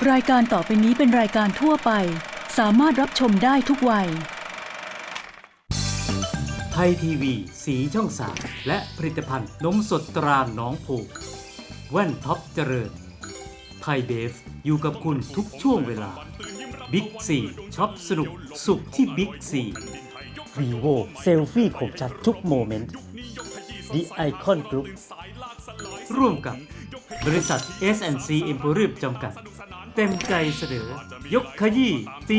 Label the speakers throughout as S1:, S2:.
S1: รายการต่อไปนี้เป็นรายการทั่วไปสามารถรับชมได้ทุกวัย
S2: ไทยทีวีสีช่อง3และผลิตภัณฑ์นมสดตราหนองผูกแว่นท็อปเจริญไทยเบฟอยู่กับคุณทุกช่วงเวลาบิ๊กซีช็อปสนุกสุขที่บิ๊กซีvivo เซลฟี่คมชัดทุกโมเมนต์ The Icon Group ร่วมกับบริษัท S&C Emporium จำกัดเต็มใจเสนอยกขยี้ตี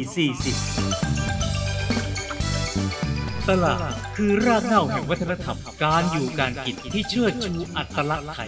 S2: 440ตลาดคือรากเหง้าแห่งวัฒนธรรมการอยู่การกินที่เชิดชูอัตลักษณ์ไทย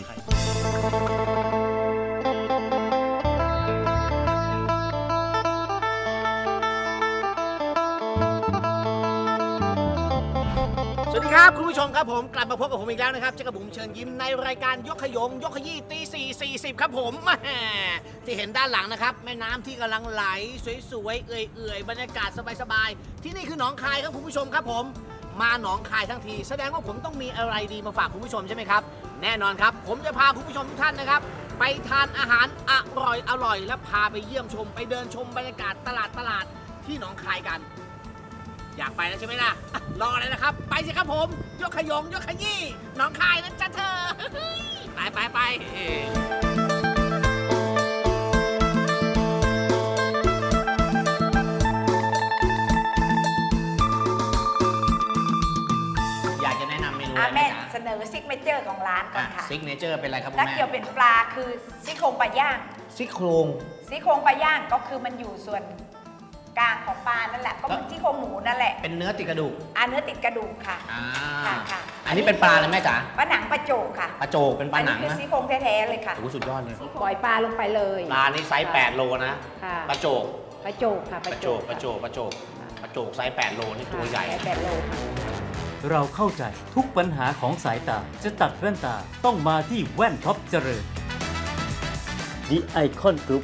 S3: สวัสดีครับคุณผู้ชมครับผมกลับมาพบกับผมอีกแล้วนะครับเจ้ากับผมเชิญยิ้มในรายการยกขยงยกขยี้ตี440ครับผมแหมที่เห็นด้านหลังนะครับแม่น้ำที่กำลังไหลสวยๆเอื่อยๆบรรยากาศสบายๆที่นี่คือหนองคายครับคุณผู้ชมครับผมมาหนองคายทั้งทีแสดงว่าผมต้องมีอะไรดีมาฝากคุณผู้ชมใช่ไหมครับแน่นอนครับผมจะพาคุณผู้ชมทุกท่านนะครับไปทานอาหารอร่อยและพาไปเยี่ยมชมไปเดินชมบรรยากาศตลาดที่หนองคายกันอยากไปแล้วใช่ไหมล่ะรอเลยนะครับไปสิครับผมยกขยงยกขยี้หนองคายนะจ๊ะเธอไปอยากจะแนะนำเมนูอะไรไหม
S4: แม่
S3: จ๊ะ
S4: เสนอซิกเนเจอร์ของร้านก่อนค่ะ
S3: ซิกเนเจอร์เป็นอะไรครับคุณ
S4: ถ้า
S3: แม่
S4: เกี่ยวเป็นปลาคือซี่โครงปลาย่าง
S3: ซี่โครง
S4: ซี่โครงปลาย่างก็คือมันอยู่ส่วนกลางของปลานั่นแหละก็เหมือนซี่โครงหมูนั่นแหละ
S3: เป็นเนื้อติดกระดูก
S4: เนื้อติดกระดูกค่ะ ค่ะ
S3: อันนี้เป็นปลาเลยแม่จ๋า
S4: ปลาหนังปลาโจกค่ะ
S3: ปลาโจกเป็นปลาหนัง
S4: อัคือ
S3: นะ
S4: ซี่โครงแท้ๆเลยค่ะ
S3: โอ้โหสุดยอดเลย
S4: ปล่อยปลาลงไปเลย
S3: ปลานี่ไซส์8โลนะ
S4: ค่ะ
S3: ปลาโจก
S4: ปลาโจกค่ะ
S3: ปลาโจกไซส์8โลนี่ตัวใหญ่
S4: 8โลค่ะ
S2: เราเข้าใจทุกปัญหาของสายตาจะตัดแว่นตาต้องมาที่แว่นท็อปเจริญ The Icon Group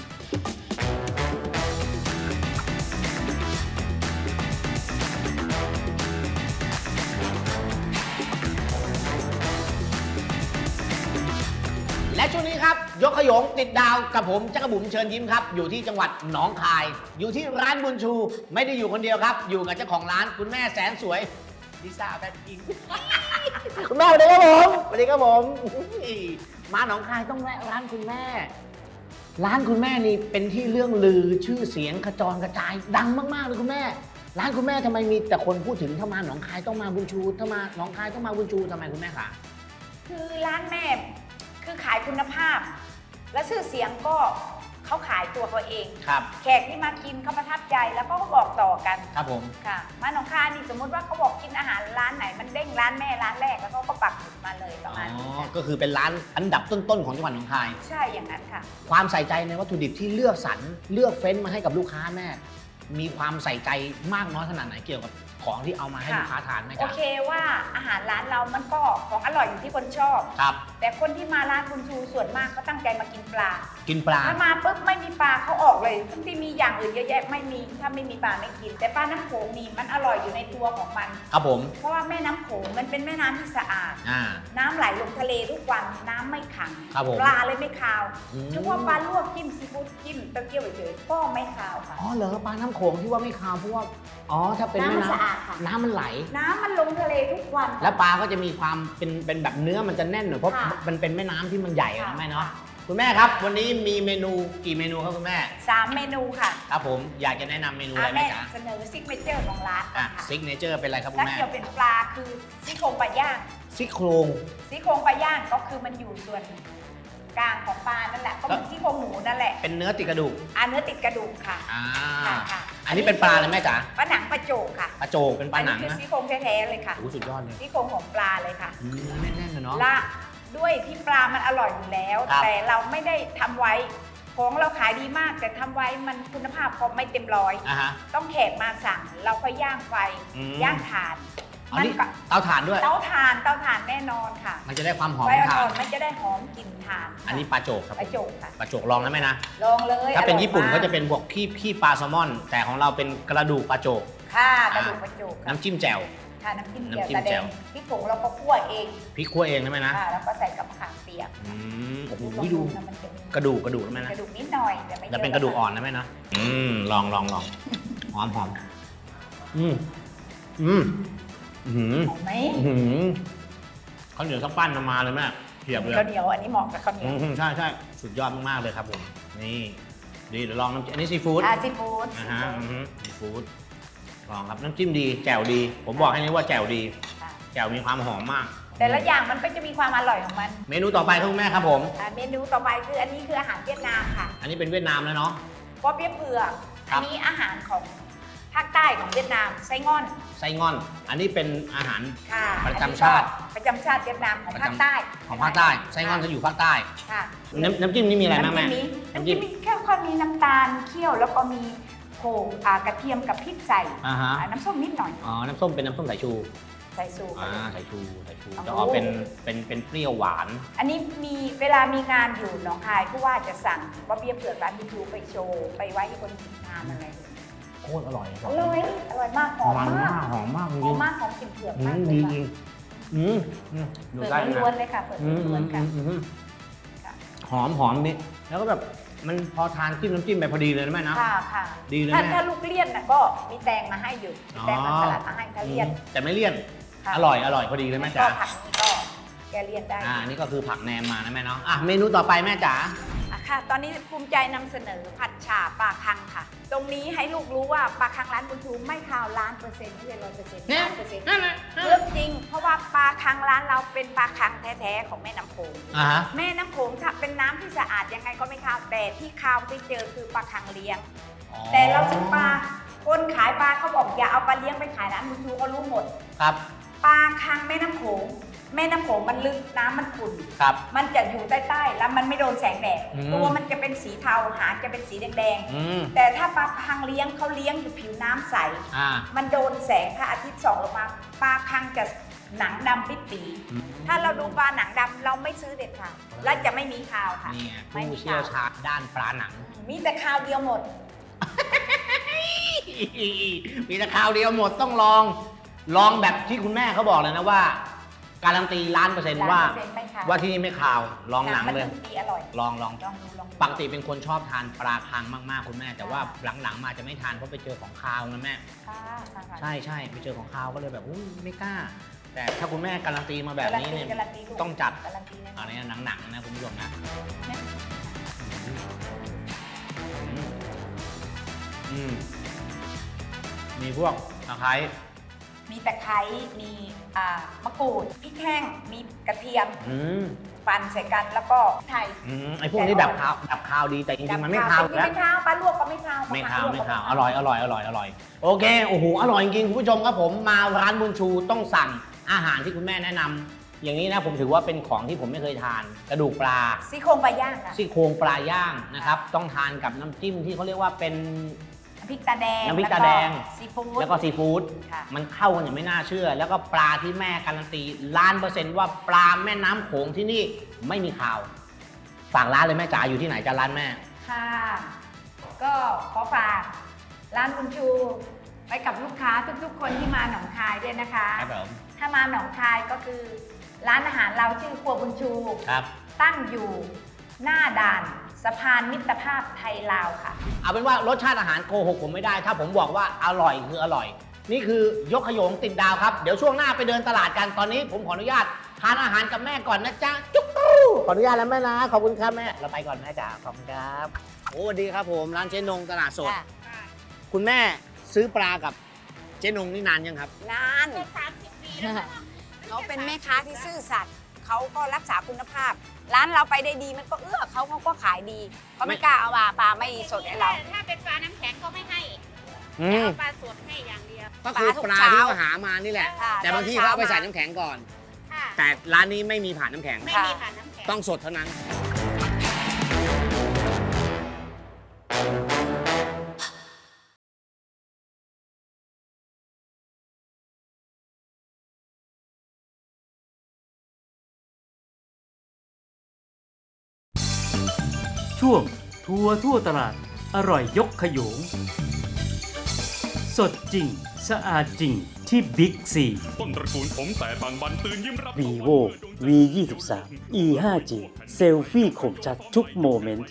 S3: และช่วงนี้ครับยกขยงติดดาวกับผมจักรบุ๋มเชิญยิ้มครับอยู่ที่จังหวัดหนองคาย อยู่ที่ร้านบุญชูไม่ได้อยู่คนเดียวครับ อยู่กับเจ้าของร้านคุณแม่แสนสวยลิซ่าแบทพิงค์ คุณแม่สวัสดีครับผมสวัสดีครับผมมาหนองคายต้องแวะร้านคุณแม่ ร้านคุณแม่นี่เป็นที่เรื่องลือชื่อเสียงกระจรกระจายดังมากๆเลยคุณแม่ ร้านคุณแม่ทำไมมีแต่คนพูดถึงถ้ามาหนองคายต้องมาบุญชูถ้ามาหนองคายต้องมาบุญชูทำไมคุณแม่คะ
S4: คือร้านแม่คือขายคุณภาพ และชื่อเสียงก็เขาขายตัวเขาเอง
S3: ครับ
S4: แขกที่มากินเขาประทับใจแล้วก็บอกต่อกัน
S3: ครับผม
S4: ค่ะมาหนองคายนี่สมมติว่าเขาบอกกินอาหารร้านไหนมันเด้งร้านแม่ร้านแรกแล้วเขาก็ปักหมุดมาเลยประมาณนี้ค่ะ
S3: ก็คือเป็นร้านอันดับต้นๆของจังหวัดหนองคาย
S4: ใช่อย่างนั้นค่ะ
S3: ความใส่ใจในวัตถุดิบที่เลือกสรรเลือกเฟ้นมาให้กับลูกค้าแม่ มีความใส่ใจมากน้อยขนาดไหนเกี่ยวกับของที่เอามาให้ลูกค้าทานไหม
S4: โอ
S3: จ๊ะ
S4: เคว่าอาหารร้านเรามันก็ของอร่อยอยู่ที่คนชอบ
S3: ครับ
S4: แต่คนที่มาร้านคุณชูส่วนมากก็ตั้งใจมากินปลา
S3: กินปลา
S4: ถ้ามาปุ๊บไม่มีปลาเขาออกเลยทั้งที่มีอย่างอื่นเยอะแยะไม่มีถ้าไม่มีปลาไม่กิน แต่ปลาน้ำโขงนี่มันอร่อยอยู่ในตัวของมัน
S3: ครับผม
S4: เพราะว่าแม่น้ำโขงมันเป็นแม่น้ำที่สะอาด
S3: อ่า
S4: น้ำไหลลงทะเลทุกวันน้ำไม่ขัง
S3: ครับผม
S4: ปลาเลยไม่คาว
S3: อืม
S4: เฉพาะปลาลวกจิ้มซีฟู้ดจิ้มเต้าเจี้ยวเฉยๆก็ไม่คาวค่ะ
S3: อ๋อเหรอปลาน้ำโขงที่ว่าไม่คาวเพราะว่าอ๋อถ้าเป็น
S4: น้ำมัน
S3: แม่
S4: สะอาดค่ะ
S3: น้ำมันไหล
S4: น้ำมันลงทะเลทุกวัน
S3: แล้วปลาก็จะมีความเป็นแบบเนื้อมันจะแน่นหน่อยเพราะ
S4: ค่ะ
S3: มันเป็นแม่น้ำที่มันใหญ่อะนะ
S4: ค่ะ
S3: แม่เนาะคุณแม่ครับ วันนี้มีเมนูกี่เมนูครับคุณแม่
S4: 3 เมนูค่ะ
S3: ครับผมอยากจะแนะนำเมนูอะไรไหม
S4: แม่
S3: จ๊ะ
S4: เสนอซิกเนเจอร์ของร้านก่อนค่ะ
S3: ซิกเนเจอร์เป็นอะไรครับคุ
S4: ถ้า
S3: ณแม่
S4: เกี่ยวเป็นปลาคือซี่โครงปลาย่าง
S3: ซี่โครง
S4: ซี่โครงปลาย่างก็คือมันอยู่ส่วนกลางของปลานั่นแหละก็เหมือนซี่โครงหมูนั่นแหละ
S3: เป็นเนื้อติดกระดูก
S4: เนื้อติดกระดูกค่ะ
S3: อ่า
S4: ค่ะ
S3: อันนี้เป็นปลาเลยแม่จ๋า
S4: ปลาหนังปลาโจกค่ะ
S3: ปลาโจกเป็นปลาหนัง
S4: อัคือ
S3: นะ
S4: ซี่โครงแท้ๆเลยค่ะ
S3: โอ้โหสุดยอดเลย
S4: ซี่โครงของปลาเลยค่ะ
S3: แน่นๆเลยเนาะ
S4: ละด้วยที่ปลามันอร่อยอยู่แล้ว
S3: ครับ
S4: แต่เราไม่ได้ทำไว้ของเราขายดีมาก แต่ทำไว้มันคุณภาพก็ไม่เต็มร้อย
S3: อ่ะฮะ
S4: ต้องแขกมาสั่งเราก็ย่างไฟ
S3: อืม
S4: ย่างถ่าน
S3: อัน
S4: มัน
S3: นี้
S4: ก็
S3: เตาถ่านด้วย
S4: เตาถ่านแน่นอนค่ะ
S3: มันจะได้ความหอม
S4: ไฟ
S3: ถ่า
S4: อ่อน นๆมันจะได้หอมกลิ่นถ่านค่ะ
S3: อันนี้ปลาโจกครับ
S4: ปลาโจกค่ะ
S3: ปลาโจกลองนะแม่นะ
S4: ลองเลย
S3: ถ้าเป็น
S4: อร่อย
S3: ญี่ปุ่น
S4: ม
S3: ก็จะเป็นพวกขี้ปลาแซลมอน แต่ของเราเป็นกระดูกปลาโจก
S4: ค่ะกระดูกปลาโจกค่ะ
S3: น้ำจิ้มแจ่ว
S4: ค่ะน้ำจิ้มแจ่ว
S3: น้ำจิ้ม
S4: ตาแด
S3: แจ่
S4: ง
S3: ว
S4: พริกผงเราก็คั่วเอง
S3: พริกคั่วเองได้ไหมนะ
S4: ค่ะแล้วก็ใส่กับมะขามเปียก
S3: โอ้โห
S4: ลอง
S3: ดู
S4: นะมันจะมี
S3: กระดูกได้ไหมนะ
S4: กระดูกนิดหน่อยแต่ไม่
S3: จะเป็นกระดูกอ่อนนะแม่นะลองหอม
S4: หอมไหม
S3: ข้าวเหนียวสักปั้นมาเลยแม่เทียบเลย
S4: ข้าวเหนียวอันนี้เหมาะกับข้าวเหนียว
S3: ใช่สุดยอดมากๆเลยครับผมนี่ดีเดี๋ยวลองน้ำจิ้มอันนี้ซีฟู้ด
S4: ซีฟู้ด
S3: นะฮะซีฟู้ดลองครับน้ำจิ้มดีแจ่วดี ผมบอกให้นี่ว่าแจ่วดีแจ่วมีความหอมมาก
S4: แต่ละอย่างมันก็จะมีความอร่อยของมัน
S3: เมนูต่อไปครับคุณแม่ครับผม
S4: เมนูต่อไปคืออันนี้คืออาหารเวียดนามค่ะ
S3: อันนี้เป็นเวียดนามแล้วเนาะ
S4: ป๊อเปี๊ยะเผือก
S3: ครั
S4: อั
S3: บ
S4: นนี้อาหารของภาคใต้ของเวียดนามไส้งอน
S3: ไส้งอน อันนี้เป็นอาหาร
S4: ค่ะ
S3: ประจำชาติ
S4: ประจำชาติเวียดนามของภาคใต้
S3: ของภาคใต้ไส้งอนจะอยู่ภาคใต้
S4: ค่ะ
S3: น้ำจิ้มนี่มีอะไรบ้างแม่
S4: น้ำจิ้มมีแค่ข้าวมีน้ำตาลเคี่ยวแล้วก็มีโขลกกระเทียมกับพริกใส่
S3: อ่าฮะ
S4: น้ำส้มนิดหน่อย
S3: อ๋อน้ำส้มเป็นน้ำส้มสายชู
S4: ใส่สู
S3: สายชู
S4: โอ้โห
S3: จะออกเป็นเปรี้ยวหวาน
S4: อันนี้มีเวลามีงานอยู่หนองคายผู้ว่าจะสั่งป๊อเปี๊ยะเผือกร้านยูทูบไปโชว์ไปไว้ให้คนทานอะไร
S3: โคตรอร่อย
S4: อร่อยมากหอมมาก
S3: หอมมากจ
S4: ห
S3: ริ
S4: อม
S3: ง
S4: มากของกลิ่นเผือก
S3: ๆ
S4: มาก
S3: ดี
S4: เลย
S3: จริ
S4: ค่ะ
S3: งดู
S4: เผือก
S3: ได้นะ
S4: ล้วนๆเลยค่ะเผือกล้วนๆค่ะ ค่ะ
S3: หอมนี่แล้วก็แบบมันพอทานจิ้มน้ำจิ้มไปพอดีเลยนะแม่นะ
S4: ค่ะ
S3: ดีเลย
S4: ถ้า
S3: แม่
S4: ถ้าลูกเลี่ยนน่ะก็มีแตงมาให้อยู่มีแตงมาสลัดมาให้ถ้าเลี่ยน
S3: แต่ไม่เลี่ยน
S4: ค่ะ
S3: อร่อยพอดีเลยแม่
S4: ก็
S3: จ๋า
S4: ผักนี้ก็แกเลี่ยนได้
S3: อันนี้ก็คือผักแหนมมานะแม่เนาะเมนูต่อไปแม่จ๋า
S4: ค่ะ ตอนนี้ภูมิใจนำเสนอผัดฉ่าปลาคังค่ะ ตรงนี้ให้ลูกรู้ว่าปลาคังร้านบุญชูไม่คาว1,000,000%ไม่ใช่100%ล้านเปอร์เซ็นต์เรื่องจริง เพราะว่าปลาคังร้านเราเป็นปลาคังแท้ๆของแม่น้ำโขง
S3: ฮะ
S4: แม่น้ำโขงถ้าเป็นน้ำที่สะอาดยังไงก็ไม่คาวแต่ที่คาวที่เจอคือปลาคังเลี้ยง แต่เราซื้อปลาคนขายปลาเขาบอกอย่าเอาปลาเลี้ยงไปขายร้านบุญชูเขารู้หมด
S3: ครับ
S4: ปลาคังแม่น้ำโขงมันลึกน้ำมันขุ่น
S3: ครับ
S4: มันจะอยู่ใต้ๆแล้วมันไม่โดนแสงแดด
S3: อืม
S4: ตัวมันจะเป็นสีเทาหางจะเป็นสีแดง
S3: อืม
S4: ๆแต่ถ้าปลาคังเลี้ยงเขาเลี้ยงอยู่ผิวน้ำใส มันโดนแสงพระอาทิตย์ส่องลงมาปลาคังจะหนังดำปิดปี
S3: อืม
S4: ถ้าเราดูปลาหนังดำเราไม่ซื้อเด็ดขาดและจะไม่มีคาวค่ะ
S3: นี่ไง
S4: ไม่
S3: ผู้
S4: มี
S3: เชี่ยวชาญด้านปลาหนัง
S4: มีแต่คาวเดียวหมด
S3: มีแต่คราวเดียวหมดต้องลองแบบที่คุณแม่เขาบอกเลยนะว่า การันตี1,000,000%ว่า
S4: 1,000,000ไม่คาว
S3: ว่าที่นี่ไม่คาวลองหนังเลย
S4: มันดีอร่อย
S3: ลอง
S4: ลองดู
S3: ปกติเป็นคนชอบทานปลาคังมากๆคุณแม่ แต่ว่าหลังๆมาจะไม่ทานเพราะไปเจอของคาวนะแม่
S4: ค่ะ
S3: ใช่ไปเจอของคาวก็เลยแบบอุ้ยไม่กล้า แต่ถ้าคุณแม่การันตีมาแบบนี้เนี่ย
S4: การันตีลูก
S3: ต้องจัด
S4: การันตีแน่น
S3: อั
S4: อน
S3: นี้หนังๆนะคุณผู้ชมนะมีพวกตะไคร้
S4: มีตะไคร้มีมะกรูดพริกแห้งมีกระเทียม ปั่นใส่กันแล้วก็ไทย
S3: ไอ้พวกนี้ดับคาวดีแต่จริงๆมันไม่คาว
S4: จริงๆไม่คาวปลาลวกก็ไม่คาว
S3: ไม่คาว
S4: ปลลกก็
S3: อร่อยโอเคโอ้โหอร่อยจริงๆคุณผู้ชมครับผมมาร้านบุญชูต้องสั่งอาหารที่คุณแม่แนะนำอย่างนี้นะผมถือว่าเป็นของที่ผมไม่เคยทานกระดูกปลา
S4: ซี่โครงปลาย่างค่ะ
S3: ซี่โครงปลาย่างนะครับต้องทานกับน้ำจิ้มที่เขาเรียกว่าเป็น
S4: น้ำพริกตาแดง
S3: น้ำพริกตาแดง
S4: ซีฟู้ด
S3: แล้วก็ซีฟู้ด
S4: ค่ะ
S3: มันเข้ากันอย่างไม่น่าเชื่อ แล้วก็ปลาที่แม่การันตี1,000,000%ว่าปลาแม่น้ำโขงที่นี่ไม่มีข่าวฝากร้านเลยแม่จ๋าอยู่ที่ไหนจะร้านแม่
S4: ค่ะ ก็ขอฝากร้านบุญชูไปกับลูกค้าทุกๆ คนที่มาหนองคายด้วยนะคะ
S3: ครับผม
S4: ถ้ามาหนองคายก็คือ ร้านอาหารเราชื่อครัวบุญชู
S3: ครับ
S4: ตั้งอยู่หน้าด่านสะพานมิตรภาพไทยลาวค่ะ
S3: เอาเป็นว่ารสชาติอาหารโกหกผมไม่ได้ ถ้าผมบอกว่าอร่อยคืออร่อย นี่คือยกขยงติดดาวครับ เดี๋ยวช่วงหน้าไปเดินตลาดกัน ตอนนี้ผมขออนุญาตทานอาหารกับแม่ก่อนนะจ๊ะ จุ๊กรูขออนุญาตแล้วแม่นะ ขอบคุณครับแม่ เราไปก่อนแม่จ๋า ขอบคุณครับโอ้สวัสดีครับผม ร้านเจ๊นงตลาดสด คุณแม่ซื้อปลากับเจ๊นงนี่นานยังครับ
S4: นาน30 ปีแล้วเขาเป็นแม่ค้าที่ซื่อสัตย์เขาก็รักษาคุณภาพ ร้านเราไปได้ดีมันก็เขาก็ขายดีเขาไม่กล้าเอาปลาไม่สดให้เรา
S5: ถ้าเป็นปลาน้ำแข็งก็ไม่ให้
S3: อืม
S5: เอาปลาสดให้อย่างเดียว
S3: ก็คือปลาที่เขาหามานี่แหละ
S4: ค่ะ
S3: แต่บางที่เขาเอาไปใส่น้ำแข็งก่อน
S5: ค่ะ
S3: แต่ร้านนี้ไม่มีผ่านน้ำแข็ง
S5: ไม่มีผ่านน้ำแข็ง
S3: ต้องสดเท่านั้น
S2: ช่วงทัวร์ทั่วตลาดอร่อยยกขยง สดจริง สะอาดจริงที่บิ๊กซี
S6: ต้นตระกูลผมแต่บางบันตื่นยิ้มรับ
S7: vivo v 2 3 e 5 g เซลฟี่คมชัดทุกโมเมนต์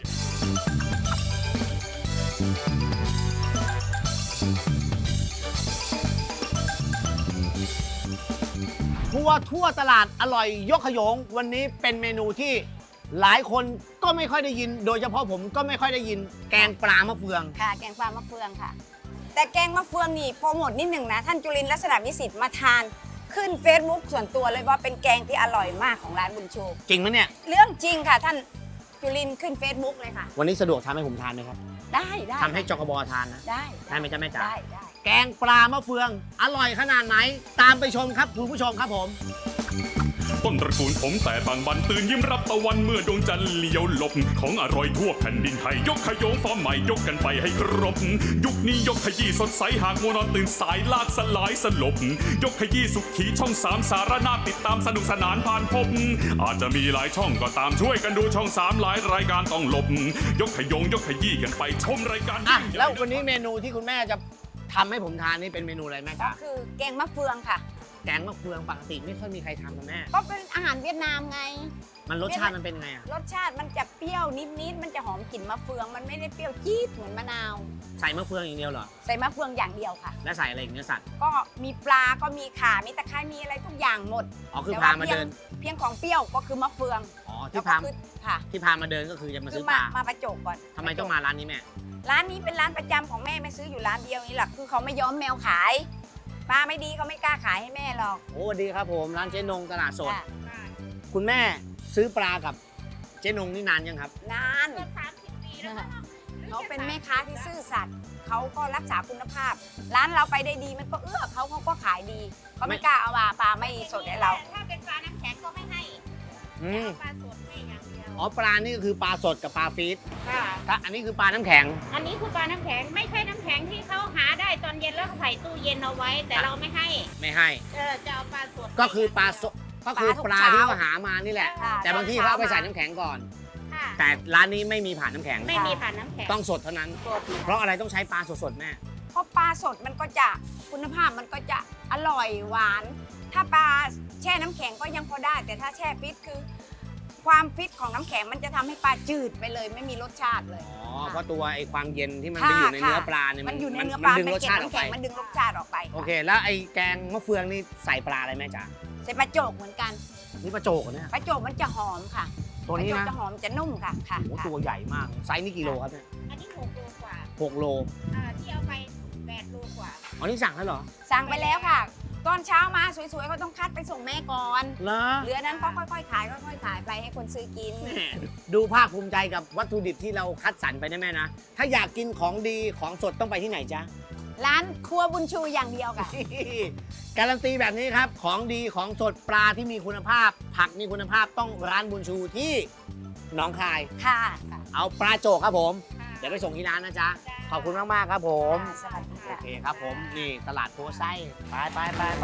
S3: ทั่วตลาดอร่อยยกขยงวันนี้เป็นเมนูที่หลายคนก็ไม่ค่อยได้ยิน โดยเฉพาะผมก็ไม่ค่อยได้ยิน แกงปลามะเฟือง
S8: ค่ะแกงปลามะเฟืองค่ะ แต่แกงมะเฟืองนี่โปรโมทนิดหนึ่งนะ ท่านจุลินทร์ลักษณะวิสิทธิ์มาทานขึ้น Facebook ส่วนตัวเลยว่าเป็นแกงที่อร่อยมากของร้านบุญชู
S3: จริงไหมเนี่ย
S8: เรื่องจริงค่ะท่านจุลินทร์ขึ้น Facebook เลยค่ะ
S3: วันนี้สะดวกทำให้ผมทานไหมครับ
S8: ได้
S3: ทำให้จกบทานนะ
S8: ได้
S3: ได้ไหมจ๊ะแม่จ๋า
S8: ได้
S3: แกงปลามะเฟือง อร่อยขนาดไหน ตามไปชมครับคุณผู้ชมครับผม
S6: ต้นตระกูลผมแต่บางบันตื่นยิ้มรับตะวันเมื่อดวงจันทร์เลี้ยวหลบของอร่อยทั่วแผ่นดินไทยยกขยงฟอร์มใหม่ยกกันไปให้ครบยุคนี้ยกขยี้สดใสหากมัวนอนตื่นสายลากสลายสลบยกขยี้สุขีช่อง3สารนาติดตามสนุกสนานผ่านพบอาจจะมีหลายช่องก็ตามช่วยกันดูช่อง3หลายรายการต้องหลบยกขยงยกขยี้กันไปชมรายการ
S3: อ่ะแล้ววันนี้เมนูที่คุณแม่จะทำให้ผมทานนี่เป็นเมนูอะไรแม่
S8: ก็
S3: จ๋า
S8: คือแกงมะเฟืองค่ะ
S3: แกงมะเฟืองปกติไม่ค่อยมีใครทำนะแม่
S8: ก็เป็นอาหารเวียดนามไง
S3: มันรสชาติมันเป็นไงอะ
S8: รสชาติมันจะเปรี้ยวนิดๆมันจะหอมกลิ่นมะเฟือง มันไม่ได้เปรี้ยวจี๊ดเหมือนมะนาว
S3: ใส่มะเฟืองอย่างเดียวเหรอ
S8: ใส่มะเฟืองอย่างเดียวค่ะ
S3: และใส่อะไรอีกเนื้อสัตว์
S8: ก็มีปลาก็มีข่ามีตะไคร้มีอะไรทุกอย่างหมด
S3: อ๋อคือ
S8: แต่
S3: พา
S8: ว่า
S3: มาเดิน
S8: เพียงของเปรี้ยวก็คือมะเฟือง
S3: อ๋อ
S8: แล้
S3: ที่
S8: วก็
S3: พา
S8: คือค่ะ
S3: ที่พามาเดินก็คือจะมา
S8: คื
S3: ซื้
S8: อ
S3: อปลา
S8: มาประจบก่อน
S3: ทำไมต้องมาร้านนี้แม่
S8: ร้านนี้เป็นร้านประจำของแม่ไม่ซื้ออยู่ร้านเดียวนี่แหละคือเขาไม่ยอมแมวขายปลาไม่ดีเขาไม่กล้าขายให้แม่หรอก
S3: โอ้สวัสดีครับผมร้านเจ๊นงตลาดสด
S8: จ้ะ
S3: คุณแม่ซื้อปลากับเจ๊นงนี่นานยังครับ
S8: นาน
S5: เกิน30 ปีแล้วมั้ง
S8: เขาเป็นแม่ค้าที่ซื่อสัตย์เขาก็รักษาคุณภาพ ร้านเราไปได้ดีมันก็เขาก็ขายดีเขาไม่กล้าเอาปลาไม่สดให้เรา
S5: ถ้าเป็นปลาน้ำแข็งก็ไม่ให้
S3: อืม
S5: ปลาสดให้อย่างเดียว
S3: อ๋อปลานี่ก็คือปลาสดกับปลาฟีด
S5: ค่ะ
S3: ถ้าอันนี้คือปลาน้ำแข็ง
S5: อันนี้คือปลาน้ำแข็งไม่ใช่น้ำแข็งที่เขาหาได้ตอนเย็นแล้วเขาใส่ตู้เย็นเอาไว้ แต่เราไม่ให้
S3: ไม่ให้
S5: จะเอาปลาสด
S3: ก็คือปลาสดก็คือปลาที่เขาหามานี่แหละ
S8: ค่ะ
S3: แต่บางที่เขาเอาไปใส่น้ำแข็งก่อน
S5: ค่ะ
S3: แต่ร้านนี้ไม่มีผ่านน้ำแข็ง
S5: ไม่มีผ่านน้ำแข็ง
S3: ต้องสดเท่านั้น
S5: สด
S3: เพราะอะไรต้องใช้ปลาสดๆแม่
S8: เพราะปลาสดมันก็จะคุณภาพมันก็จะอร่อยหวาน ถ้าปลาแช่น้ำแข็งก็ยังพอได้ แต่ถ้าแช่ฟิตคือ ความฟิตของน้ำแข็งมันจะทำให้ปลาจืดไปเลยไม่มีรสชาติเลย
S3: อ๋อ เพราะตัวไอ้ความเย็นที่มันไปอยู่ในเนื้อปลาเนี่ย
S8: มันอยู่ในเนื้อปลา
S3: ดึงรสชาติออกไป
S8: มันดึงรสชาติออกไป
S3: โอเค แล้วไอ้แกงมะเฟืองนี่ใส่ปลาอะไรแม่จ๋า
S8: ใส่ปลาโจกเหมือนกัน
S3: นี่ปลาโจกเหรอเนี่ย
S8: ปลาโจกมันจะหอมค่ะ
S3: ตัวนี้
S8: ปลา
S3: นะ
S8: โจกจะหอมจะนุ่มค่ะค่ะ
S3: โอ้โห
S8: ค่ะ
S3: ตัวใหญ่มาก ไซส์นี่กี่โลครับเนี่ย
S5: อันนี้6 โลกว่า
S3: 6 โล
S5: ที่เอาไป8 โลกว่า
S3: อ๋อนี่สั่งแล้วเหรอ
S8: สั่งไปแล้วค่ะ ตอนเช้ามาสวยๆเขาต้องคัดไปส่งแม่ก่อน
S3: เหรอ
S8: เหลือนั้นก็ค่อยๆขายค่อยๆขายไปให้คนซื้อกิน
S3: แม่ดูภาคภูมิใจกับวัตถุดิบที่เราคัดสรรไปนะแม่นะ ถ้าอยากกินของดีของสดต้องไปที่ไหนจ๊ะ
S8: ร้านครัวบุญชูอย่างเดียวค่ะ
S3: การันตีแบบนี้ครับ ของดีของสดปลาที่มีคุณภาพ ผักมีคุณภาพต้องร้านบุญชูที่หนองคาย
S8: ค่ะ
S3: เอาปลาโจกครับผม
S5: ค่ะ
S3: เดี๋ยวไปส่งที่ร้านนะจ๊ะ
S5: จ้า
S3: ขอบคุณมาก ๆ ครับผม
S8: สวัสดี
S3: โอ
S8: ค่ะ
S3: เคครับผม นี่ตลาดโพไส้ไป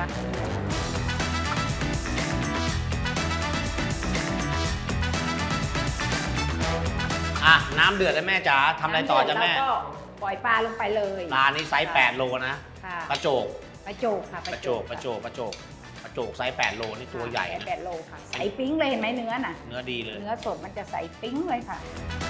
S3: อ่ะ น้ำเดือดแล้วแม่จ๋าทำอะไรต่อจ้ะแม่
S4: แล้วก็ปล่อยปลาลงไปเลย
S3: ปลานี่ไซส์8 โลนะ
S4: ค่ะ
S3: ปลาโจก
S4: ปลาโจกค่ะ
S3: ปลาโจกไซส์8 โลนี่ตัวใหญ่นะ
S4: 8 โลค่ะใสปิ้งเลยเห็นไหมเนื้อน่ะ
S3: เนื้อดีเลย
S4: เนื้อสดมันจะใสปิ้งเลยค่ะ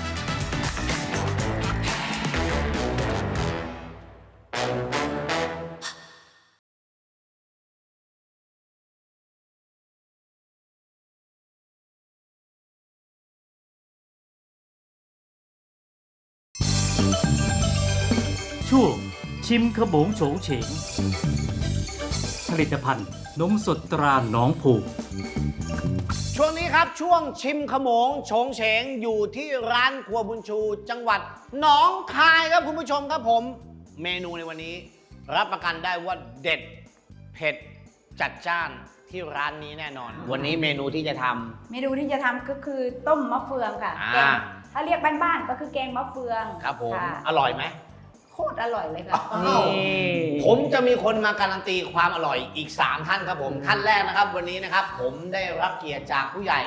S2: ช่วงชิมขโมงโฉงเฉง ผลิตภัณฑ์นมสดตราหนองผูก
S3: ช่วงนี้ครับช่วงชิมขโมงโฉงเฉงอยู่ที่ร้านครัวบุญชู จังหวัดหนองคายครับคุณผู้ชมครับผม เมนูในวันนี้ รับประกันได้ว่าเด็ดเผ็ดจัดจ้านที่ร้านนี้แน่นอน วันนี้เมนูที่จะทำ
S4: เมนูที่จะทำก็คือต้มมะเฟืองค่ะ
S3: อ่า
S4: แกงถ้าเรียกบ้านๆก็คือแกงมะเฟือง
S3: ครับผม
S4: ค่ะ
S3: อร่อยไหม
S4: โคตรอร่อยเลยค่ะ
S3: ผมจะมีคนมาการันตีความอร่อยอีก 3 ท่านครับผมท่านแรกนะครับ วันนี้นะครับผมได้รับเกียรติจากผู้ใหญ่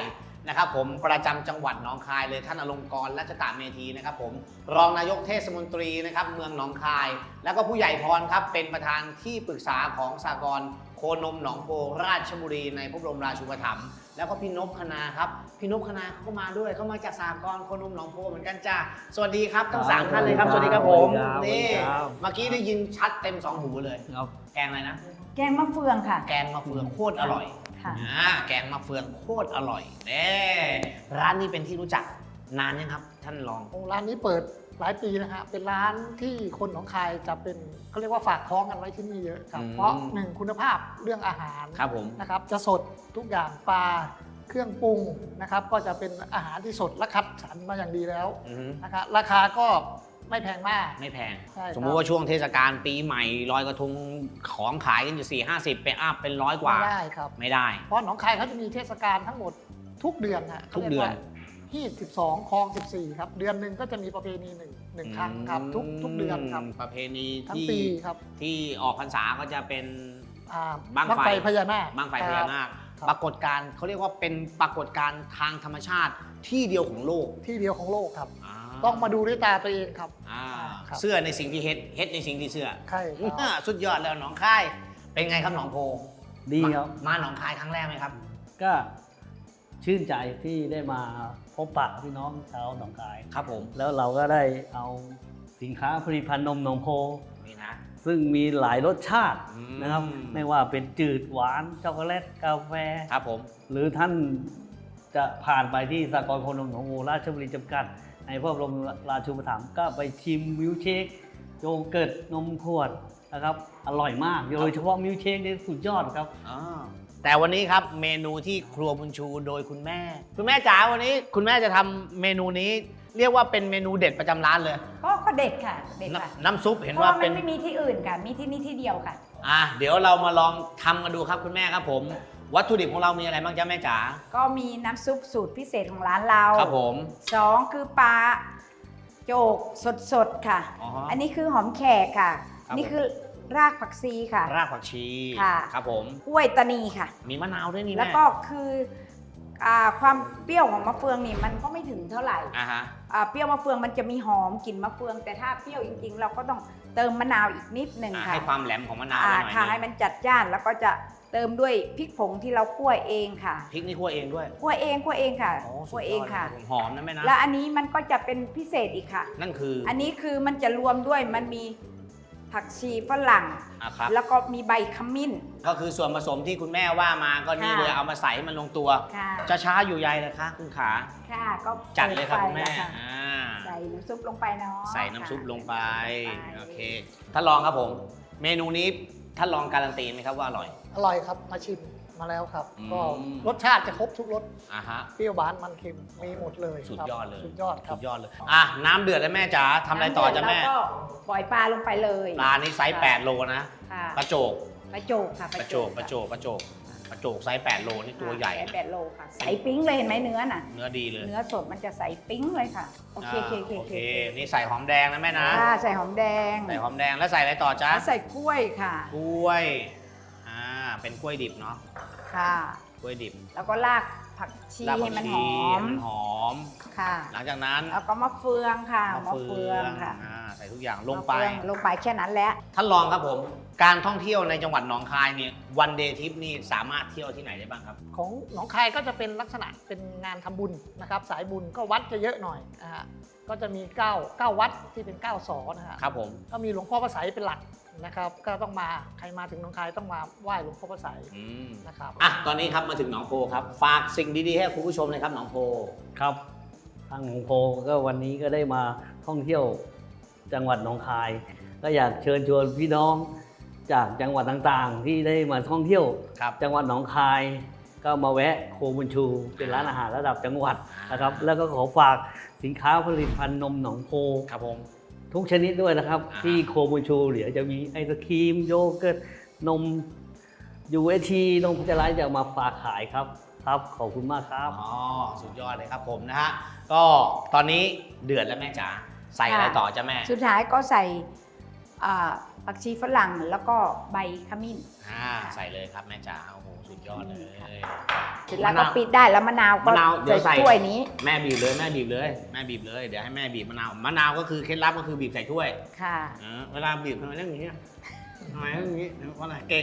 S3: นะครับผมประจำจังหวัดหนองคายเลยท่านอลงกรณ์รัชตะเมธีนะครับผมรองนายกเทศมนตรีนะครับเมืองหนองคาย แล้วก็ผู้ใหญ่พรครับเป็นประธานที่ปรึกษาของสหกรณ์โคนมหนองโพราชบุรีในพระบรมราชูปถัมภ์แล้วก็พี่นพคณาครับพี่นพคณาเขาก็มาด้วยเขามาจากสหกรณ์โคนมหนองโพเหมือนกันจ้าสวัสดีครับทั้ง3ท่านเลยครับสวัสดีครับผมนี่เมื่อกี้ได้ยินชัดเต็ม2หูเลยแกงอะไรนะ
S4: แกงมะเฟืองค่ะ
S3: แกงมะเฟืองโคตรอร่อย
S4: ค่ะ
S3: แกงมะเฟืองโคตรอร่อยเน่ร้านนี้เป็นที่รู้จักนานยังครับ ท่านรอง
S9: ร้านนี้เปิดหลายปีนะฮะเป็นร้านที่คนหนองคายจะเป็นเขาเรียกว่าฝากท้องกันไว้ที่นี่เยอะครับเพราะหนึ่งคุณภาพเรื่องอาหาร
S3: ครับผม
S9: นะครับจะสดทุกอย่างปลาเครื่องปรุงนะครับก็จะเป็นอาหารที่สดและคัดสรรมาอย่างดีแล้ว
S3: อือฮึ
S9: นะครับราคาก็ไม่แพงมาก
S3: ไม่แพง
S9: ใช่ครับ
S3: สมมุติว่าช่วงเทศกาลปีใหม่ลอยกระทงของขายกันอยู่4-50 ไปอัพเป็น100 กว่า
S9: ไม่ได้ครับ
S3: ไม่ได้
S9: เพราะหนองคายเขาจะมีเทศกาลทั้งหมดทุกเดือนฮะ
S3: ทุกเดือน
S9: ที่12คลอง14ครับเดือนหนึ่งก็จะมีประเพณีหนึ่งครั้งครับทุกเดือนครับ
S3: ประเพณี
S9: ทั้ง
S3: ที่
S9: ปีครับ
S3: ที่ออกพรรษาก็จะเป็น
S9: บั้งไฟพญานาค
S3: บั้งไฟพญานาค
S9: ครับ
S3: ปรากฏการณ์เขาเรียกว่าเป็นปรากฏการณ์ทางธรรมชาติที่เดียวของโลก
S9: ที่เดียวของโลกครับ
S3: า
S9: ต้องมาดูด้วยตาตัวเองครับ
S3: อ่า
S9: ครับ
S3: เสื้อในสิ่งที่เฮ็ดในสิ่งที่เสื้อ
S9: ใช่ครับ
S3: สุดยอดแล้วหนองคายเป็นไงครับหนองโพ
S7: ดีครับ
S3: มาหนองคายครั้งแรกไหมครับ
S7: ก็ชื่นใจที่ได้มาพบปะพี่น้องชาวหนองคาย
S3: ครับผม
S7: แล้วเราก็ได้เอาสินค้าผลิตภัณฑ์นมหนองโพ
S3: นี่นะ
S7: ซึ่งมีหลายรสชาติ
S3: อืม
S7: นะครับ ไม่ว่าเป็นจืดหวานช็อกโกแลตกาแฟ
S3: ครับผม
S7: หรือท่านจะผ่านไปที่สากลโคนมหนองโพราชบุรีจำกัด ในพระบรมราชูปถัมภ์ก็ไปชิมมิลค์เชคโยเกิร์ตนมขวดนะครับอร่อยมากโดยเฉพาะมิลค์เชคนี่สุดยอดครับ
S3: แต่วันนี้ครับเมนูที่ครัวบุญชูโดยคุณแม่ คุณแม่จ๋าวันนี้คุณแม่จะทำเมนูนี้เรียกว่าเป็นเมนูเด็ดประจำร้านเลย
S4: ก็เด็ดค่ะเด็ดค่ะ
S3: น้ำซุปเห็น
S4: เพราะ
S3: ว่า
S4: ว่ามั
S3: เป็น
S4: นไม่มีที่อื่นค่ะ มีที่นี่ที่เดียวค่ะ
S3: เดี๋ยวเรามาลองทำกันดูครับคุณแม่ครับผม วัตถุดิบของเรามีอะไรบ้างจ๊ะแม่จ๋า
S4: ก็มีน้ำซุปสูตรพิเศษของร้านเรา
S3: ครับผม
S4: 2คือปลาโจกสดๆค่ะ
S3: อ๋อฮะ
S4: อันนี้คือหอมแขกค่ะ
S3: ครับ
S4: นี่คือรากผักชีค่ะ
S3: รากผักชี
S4: ค่ะ
S3: ครับผม
S4: กล้วยตานีค่ะ
S3: มีมะนาวด้วยนี่
S4: แล้ว
S3: แม่
S4: ก็คือความเปรี้ยวของมะเฟืองนี่มันก็ไม่ถึงเท่าไหร่
S3: ฮะ
S4: เปรี้ยวมะเฟืองมันจะมีหอมกลิ่นมะเฟือง แต่ถ้าเปรี้ยวจริงๆ เราก็ต้องเติมมะนาวอีกนิดหนึ่งค่ะ
S3: ให้ความแหลมของมะนาวหน่อย
S4: ค่ะ
S3: นึ
S4: ให้
S3: ง
S4: มันจัดจ้านแล้วก็จะเติมด้วยพริกผงที่เราคั่วเองค่ะ
S3: พริกนี่คั่วเองด้วย
S4: คั่วเองค่ะ
S3: โอ้สุ
S4: คั่
S3: ด
S4: วย เอ
S3: อง ด
S4: ค่ะ
S3: หอมนะแม่นะ
S4: แล้วอันนี้มันก็จะเป็นพิเศษอีกค่ะ
S3: นั่นคือ
S4: อันนี้คือมันจะรวมด้วยมันมีผักชีฝรั่ง
S3: ครับ
S4: แล้วก็มีใบขมิ้น
S3: ก็คือส่วนผสมที่คุณแม่ว่ามาก็นี่
S4: ค่ะ
S3: เลยเอามาใส่ให้มันลงตัว
S4: ค่ะ
S3: จะช้าอยู่ใยนะคะคุณขา
S4: ค่ะก็
S3: จัดเลยครับคุณแม่
S4: ปิดไฟล้วะ
S3: อ่า
S4: ใส่น้ำซุปลงไปเนาะ
S3: ใส่น้ำซุปลงไป
S4: ใส่ลงไป
S3: โอเคท่านลองครับผม เมนูนี้ท่านลองการันตีไหมครับว่าอร่อย
S9: อร่อยครับมาชิมมาแล้วครับ
S3: อืม
S9: ก็รสชาติจะครบทุกรส
S3: ฮะ
S9: เปรี้ยวหวานมันเค็มมีหมดเลย
S3: สุด
S9: ครับ
S3: ยอดเลย
S9: สุดยอดครั
S3: สุ
S9: บ
S3: ดยอดเลยน้ำเดือดแล้วแม่จ๋าทำอะไรต่อจ้ะแม่
S4: แล้วก็ปล่อยปลาลงไปเลย
S3: ปลานี่ไซส์8โลนะ
S4: ค่ะ
S3: ปลาโจก
S4: ปลาโจกค่ะ
S3: ปลาโจกปลาโจกปลาโจกปลาโจกไซส์8โลนี่ตัวใหญ่
S4: แปดโลค่ะใส่ปิ้งเลยเห็นไหมเนื้อน่ะ
S3: เนื้อดีเลย
S4: เนื้อสดมันจะใส่ปิ้งเลยค่ะ โอเคโอเคโอเค
S3: โอเค นี่ใส่หอมแดงนะแม่นะ
S4: ค่ะใส่หอมแดง
S3: ใส่หอมแดงแล้วใส่อะไรต่อจ๊ะ
S4: แล้วใส่กล้วยค่ะ
S3: กล้วยเป็นกล้วยดิบเนาะ
S4: ค่ะ
S3: กล้วยดิบ
S4: แล้วก็รากผักชี
S3: ราก
S4: ให้
S3: ผัก
S4: มันห
S3: ชี
S4: อม
S3: มันหอม
S4: ค่ะ
S3: หลังจากนั้น
S4: แล้วก็มะเฟืองค่ะ
S3: มะเฟือง
S4: ค่ะ
S3: ใส่ทุกอย่างลงไป
S4: มะเฟืองลงไปแค่นั้นแหละ
S3: ท่านรองครับผม การท่องเที่ยวในจังหวัดหนองคายเนี่ยวันเดย์ทริปนี่สามารถเที่ยวที่ไหนได้บ้างครับ
S9: ของหนองคายก็จะเป็นลักษณะเป็นงานทำบุญนะครับสายบุญก็วัดจะเยอะหน่อยนะฮะก็จะมี9วัดที่เป็น9สอนะฮะ
S3: ครับผม
S9: ก็มีหลวงพ่อพระไสยเป็นหลักนะครับก็ต้องมาใครมาถึงหนองคายต้องมาไหว้หลวงพ่อพระไสยนะครับ
S3: ตอนนี้ครับมาถึงหนองโพครับ ฝากสิ่งดีๆให้คุณผู้ชมเลยครับหนองโพ
S7: ครับทางหนองโพก็วันนี้ก็ได้มาท่องเที่ยวจังหวัดหนองคาย ก็อยากเชิญชวนพี่น้องจากจังหวัดต่างๆ ที่ได้มาท่องเที่ยว
S3: ครับ
S7: จังหวัดหนองคาย ก็มาแวะโคบุญชูเป็นร้านอาหารระดับจังหวัดนะครับ แล้วก็ขอฝากสินค้าผลิตภัณฑ์นมหนองโพ
S3: ครับผม
S7: ทุกชนิดด้วยนะครับ ที่โคบุญชูเดี๋ยวจะมีไอศครีมโยเกิร์ตนม UHT นมพัชรไลท์จะมาฝากขายครับขอบคุณมากครับ
S3: สุดยอดเลยครับผมนะฮะ ก็ตอนนี้เดือดแล้วแม่จ๋า ใส่อะไรต่อจ้ะแม่
S4: สุดท้ายก็ใส่ผักชีฝรั่งแล้วก็ใบขมิ้น
S3: ใส่เลยครับแม่จ๋า โอ้โห สุดยอดเลย
S4: เสร็จแล้วก็ปิดได้แล้วมะนาวก็
S3: มะนาวเดี๋ยวใส่
S4: ถ้วยนี้
S3: แม่บีบเลยแม่บีบเลยแม่บีบเลยเดี๋ยวให้แม่บีบมะนาวก็คือเคล็ดลับก็คือบีบใส่ถ้วย
S4: ค่ะ
S3: เวลาบีบทำไมเรื่องอย่างนี้ทำไมเรื่องอย่างนี้เพราะอะไรเก่ง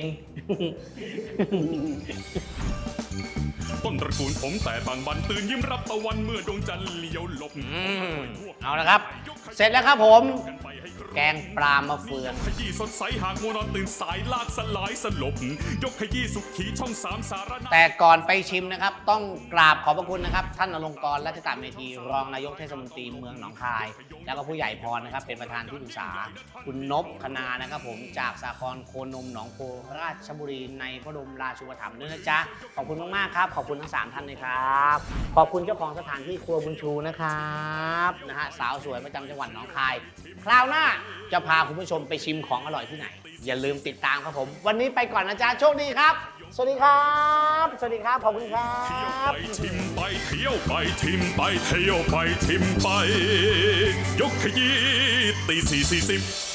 S6: ต้นตระกูลผมแต่บางบันตื่นยิ้มรับตะวันเมื่อดวงจันทร์เลี้ยวหลบ
S3: เอาละครับ เสร็จแล้วครับผม แกงปลามะเฟือง
S6: ขยี้สดใสหากมัวนอนตื่นสายลากสลายสลบ ยกขยี้สุขีช่องสามสารนา
S3: แต่ก่อนไปชิมนะครับ ต้องกราบขอบพระคุณนะครับ ท่านอลงกรณ์รัชตาเมธีรองนายกเทศมนตรีเมืองหนองคาย แล้วก็ผู้ใหญ่พรนะครับ เป็นประธานที่ปรึกษา คุณนพคณานะครับผมจากสากลโคนมหนองโพราชบุรีในพระบรมราชูปถัมภ์ด้วยนะจ๊ะขอบคุณมากๆครับขอบคุณทั้ง3ท่านเลยครับขอบคุณเจ้าของสถานที่ครัวบุญชูนะครับนะฮะสาวสวยประจำจังหวัดหนองคาย คราวหน้าจะพาคุณผู้ชมไปชิมของอร่อยที่ไหน อย่าลืมติดตามครับผม วันนี้ไปก่อนนะจ๊ะโชคดีครับ สวัสดีครับ สวัสดีครับ ขอบคุณครั
S6: เที่ยว
S3: บ
S6: ไปชิมไปเที่ยวไปชิมไปเที่ยวไปชิมไป ยกขยี้ตี 4:40